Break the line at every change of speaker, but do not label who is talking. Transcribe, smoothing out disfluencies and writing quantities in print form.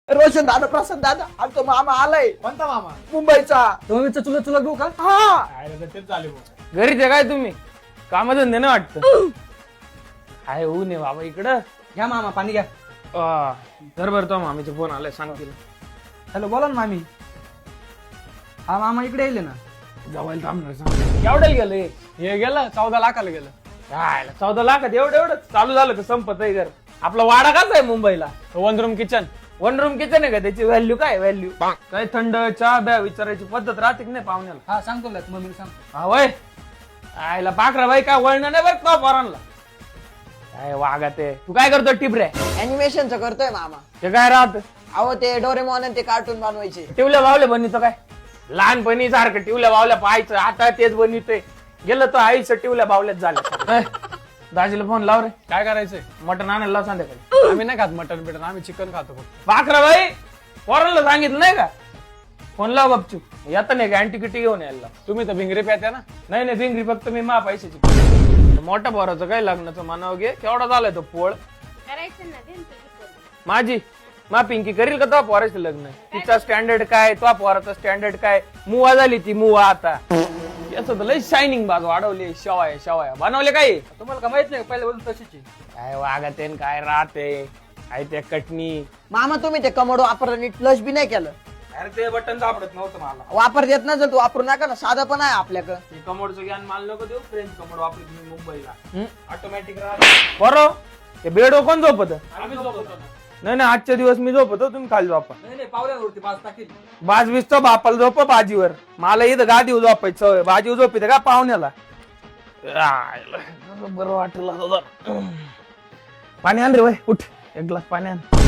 रोशन दादा, प्रसाद दादा, आमचा मामा आलाय
कोणता मामा?
मुंबईचा.
तुम्ही चुलत चुलत भाऊ का?
हा
काय तेच चालू भाऊ.
घरीच आहे काय तुम्ही? कामधंदे नाही वाटतं. काय होऊ नये बाबा इकडं.
घ्या मामा पाणी घ्या.
घर भरतो मामीचा फोन आलाय सांगतील.
हॅलो बोला ना मामी. हा मामा इकडे येईल ना.
जवळ थांबणार सांग. केवढ्याला गेलं
हे गेलं 14 लाखाला गेलं.
14 लाखात एवढं चालू झालं का संपत आहे घर. आपला वाडा कसा आहे मुंबईला?
1 रूम किचन.
1 रूम किचन आहे का? त्याची व्हॅल्यू काय? व्हॅल्यू काय? थंड चहा ब्या विचारायची पद्धत राहते की नाही पाहुण्याला?
हा सांगतो ना मम्मीला सांगतो.
हा वय आयला पाखरा बाई काय वळण नाही बरं का पोरांना. काय वागा ते. तू काय करतो टिपऱ्या?
अॅनिमेशनचं करतोय मामा.
ते काय राहत?
अहो ते डोरेमॉन आणि ते कार्टून बनवायचे.
टिवल्या बावल्या बनितो काय? लहानपणी सारखं टिवल्या बावल्या पाहायचं, आता तेच बनितोय. गेलं तर आईचं टिवल्या बावल्यात झालं. दाजीला फोन लाव रे.
काय करायचंय?
मटण आणायला लाव संध्याकाळी.
आम्ही नाही खात मटन बिटन, आम्ही चिकन खातो फक्त.
पाखरा बाई पोरांना सांगितलं नाही का? फोन लाव बापचू. येतं नाही का अँटिकिटी घेऊन यायला?
तुम्ही तर भिंगरी प्यात्या ना.
नाही भिंगरी फक्त मी मा पैशाची. मोठ्या पोराचं काय लग्नाचं म्हणावं घे. केवढा झालाय तो पोळ.
करायचं ना दे ना तुझी पोरगी.
माझी मा पिंकी करील का तो पोराचं लग्न? तिचा स्टँडर्ड काय, तो पोराचा स्टँडर्ड काय? मुवा झाली ती मुवा आता. याचं तर लय शायनिंग बाज वाढवली. शेवाया बनवले काय?
तुम्हाला का माहित नाही पहिले बोलून तशीची.
काय वागते काय राहते काय ते कटणी.
मामा तुम्ही ते कमोड वापरलं नीट फ्लश बी नाही केलं.
अरे ते बटन सापडत नव्हतं मला.
वापर देत नसेल तू वापरू नका ना, साधं पण आहे आपल्याकडं.
मी कमोडचं ज्ञान माल नको देऊ. फ्रेंच कमोड वापरत मी मुंबईला ऑटोमॅटिक राहत. बरो ते बेड कोण झोपत? नाही आजच्या दिवस मी झोपतो, तुम्ही खाली झोपा.
नाही पावल्यावरती पाच टाकील.
बाज बिसतो बापाला झोप बाजीवर. मला इथं गादीवर झोपायचं. बाजीवर झोपित का पाहुण्याला? बरं वाटलं. पाणी आण रे वय उठ. एक ग्लास पाणी आण.